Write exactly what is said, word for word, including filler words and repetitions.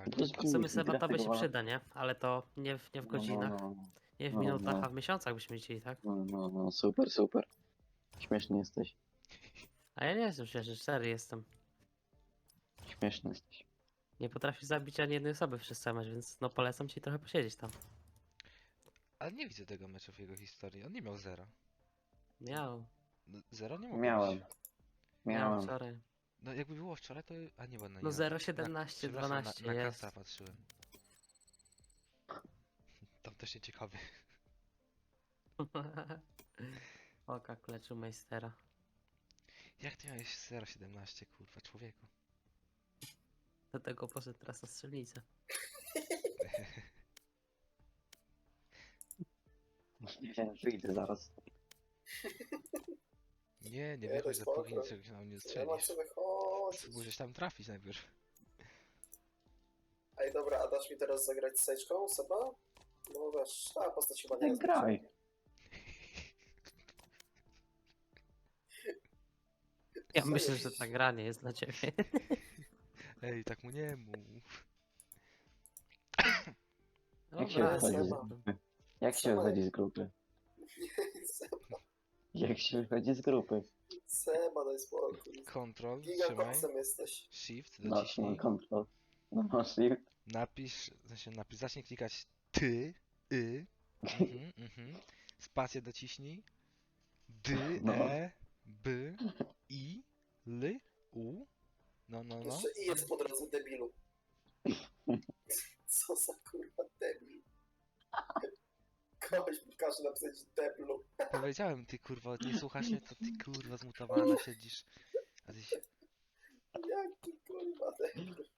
Też W sumie Seba krew to by tego się wala. przyda, nie? Ale to nie w, nie w No, no, godzinach, no. nie w No, minutach, no, a w miesiącach byśmy chcieli, tak? no, no, no, super, super. Śmieszny jesteś. A ja nie jestem szczery, szczery jestem. Śmieszny jesteś. Nie potrafisz zabić ani jednej osoby przez cały mecz, więc no polecam ci trochę posiedzieć tam. Ale nie widzę tego meczu w jego historii. On nie miał zera. Miał, No, zero nie mogło Miałem. być. miał Miałem. wczoraj. No jakby było wczoraj, to... A nie, bo no nie. No na- zero na- siedemnaście Przepraszam, na, dwanaście na jest. karta patrzyłem. Tam też nie ciekawy. Oka kleczył Meistera. Jak ty miałeś zero siedemnaście, kurwa, człowieku? Do tego poszedł teraz na strzelnicę. Nie wiem, wyjdę zaraz. Nie, nie Nie, wychodź, to dopóki spoko. czegoś nam nie Nie ma strzelisz. co wychodzić. Musisz tam trafić najpierw. Ej, dobra, a dasz mi teraz zagrać z Sejczką, Seba? No wiesz, ta postać chyba nie Tak jest. graj. Ja Co myślę, jest? że ta gra nie jest dla ciebie. Ej, tak mu nie mów. Jak się Dobra, wychodzi z Seba. grupy? Jak się wychodzi z grupy? Seba, Jak się wychodzi z grupy? Seba, daj spokój. Control, trzymaj. Gigakoksem jesteś. Shift, No, trzymam dociśnij. kontrol. No, shift. Napisz, w sensie napisz, zacznij klikać ty, y, mhm, mhm. Spację dociśnij. D, No. e, b, i, l, u. No, no, no. Jeszcze i jest po drodze, debilu. Co za kurwa debil. Kogoś mi każe napisać debilu. Powiedziałem, ty kurwa, nie słuchasz mnie, to ty kurwa zmutowana siedzisz. A ty się... Jaki kurwa debil.